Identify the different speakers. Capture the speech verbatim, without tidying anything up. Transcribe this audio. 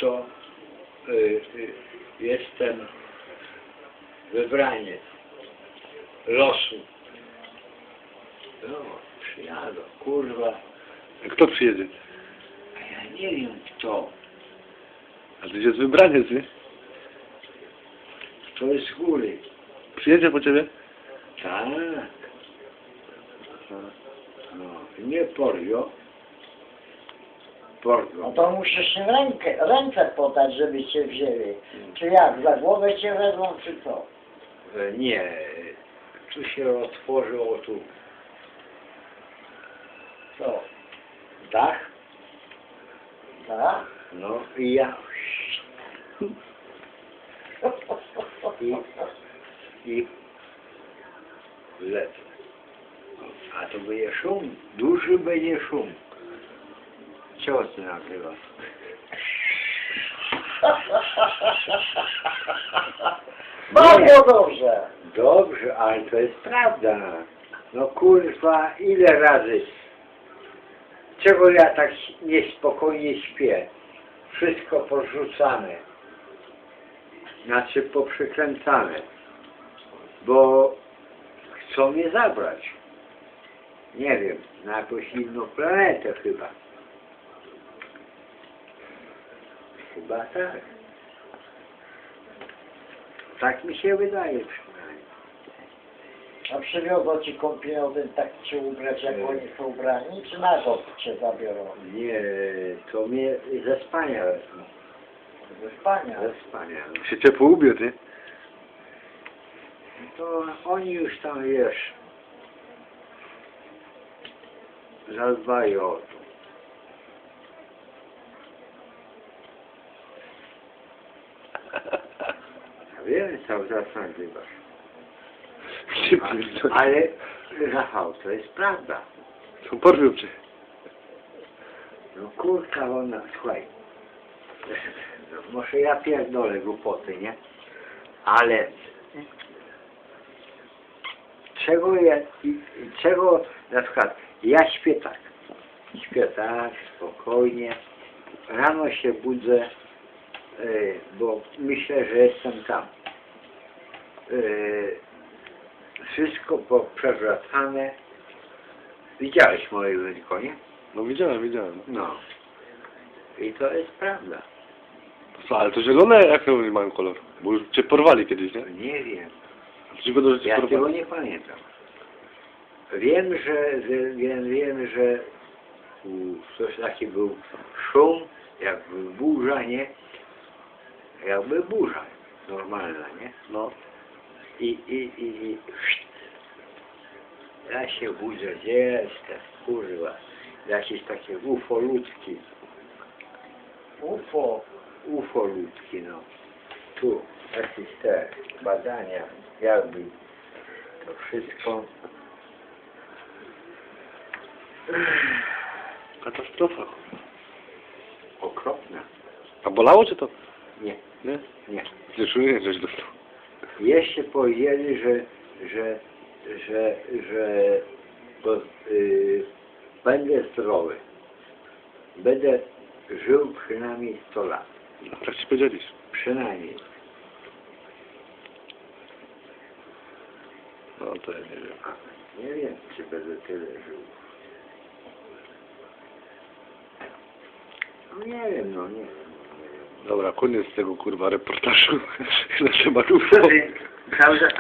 Speaker 1: to y, y, jestem wybraniec losu. No, przyjadą, kurwa.
Speaker 2: A kto przyjedzie?
Speaker 1: A ja nie wiem kto.
Speaker 2: A to jest wybraniec, nie?
Speaker 1: Kto jest z góry.
Speaker 2: Przyjedzie po ciebie?
Speaker 1: Tak. No, nie porwio. Porwio.
Speaker 3: No to musisz im rękę, ręce podać, żeby cię wzięli. Czy jak, za głowę cię wezmą, czy co?
Speaker 1: E, Nie. Tu się otworzyło tu
Speaker 3: Co?
Speaker 1: dach.
Speaker 3: Tak?
Speaker 1: No i ja i, i lecę. A to będzie szum, duży będzie szum. Ciosy nagrywa.
Speaker 3: Bardzo dobrze.
Speaker 1: Dobrze, ale to jest prawda. No kurwa, ile razy? Czego ja tak niespokojnie śpię? Wszystko porzucane. Znaczy poprzykręcane. Bo chcą mnie zabrać. Nie wiem, na jakąś inną planetę chyba. Chyba tak. Tak mi się wydaje przynajmniej.
Speaker 3: A przywiozą ci kąpielowym tak cię ubrać, jak oni są ubrani, czy na to cię zabiorą?
Speaker 1: Nie, to mnie ze spania wezmą.
Speaker 3: Ze spania.
Speaker 1: Ze spania. No.
Speaker 2: Się ciepło ubie, ty.
Speaker 1: To oni już tam, wiesz, zadbają o to. Ja wiem, cały czas nagrywasz.
Speaker 2: Nie
Speaker 1: A-
Speaker 2: pierdolę.
Speaker 1: Ale, Rafał, to jest prawda.
Speaker 2: To porwią cię.
Speaker 1: No kurka ona, słuchaj. No, może ja pierdolę głupoty, nie? Ale czego ja, i- czego na przykład ja śpię tak, śpię tak, spokojnie, rano się budzę, yy, bo myślę, że jestem tam. Yy, wszystko poprzewracane. Widziałeś moje wyliko, nie?
Speaker 2: No widziałem, widziałem.
Speaker 1: No. I to jest prawda.
Speaker 2: Co, ale to zielone, jak oni mają kolor? Bo już cię porwali kiedyś, nie?
Speaker 1: Nie wiem.
Speaker 2: A ci będą, że cię
Speaker 1: Ja tego
Speaker 2: porwali.
Speaker 1: nie pamiętam. Wiem, że, że wiem, wiem, że u, coś taki był szum, jakby burza, nie? Jakby burza normalna, nie?
Speaker 2: No.
Speaker 1: I, i, i, i ja się budzę, gdzie jestem, kurwa. Jakieś takie ufolutki,
Speaker 3: UFO.
Speaker 1: ufolutki, no. Tu jakieś te badania, jakby to wszystko.
Speaker 2: Katastrofa.
Speaker 1: Okropne.
Speaker 2: A bolało cię to?
Speaker 1: Nie,
Speaker 2: Nie?
Speaker 1: nie.
Speaker 2: Nie czuję, coś dostał.
Speaker 1: Jeszcze powiedzieli, że, że, że, że to, y, będę zdrowy. Będę żył przynajmniej sto lat.
Speaker 2: No, tak ci powiedzieliś.
Speaker 1: Przynajmniej.
Speaker 2: No to ja nie wiem.
Speaker 1: A, nie wiem, czy będę tyle żył. No nie wiem, no nie wiem. No, nie wiem.
Speaker 2: Dobra, koniec tego kurwa reportażu na temat
Speaker 1: Co
Speaker 2: U F O.
Speaker 1: ty, prawda?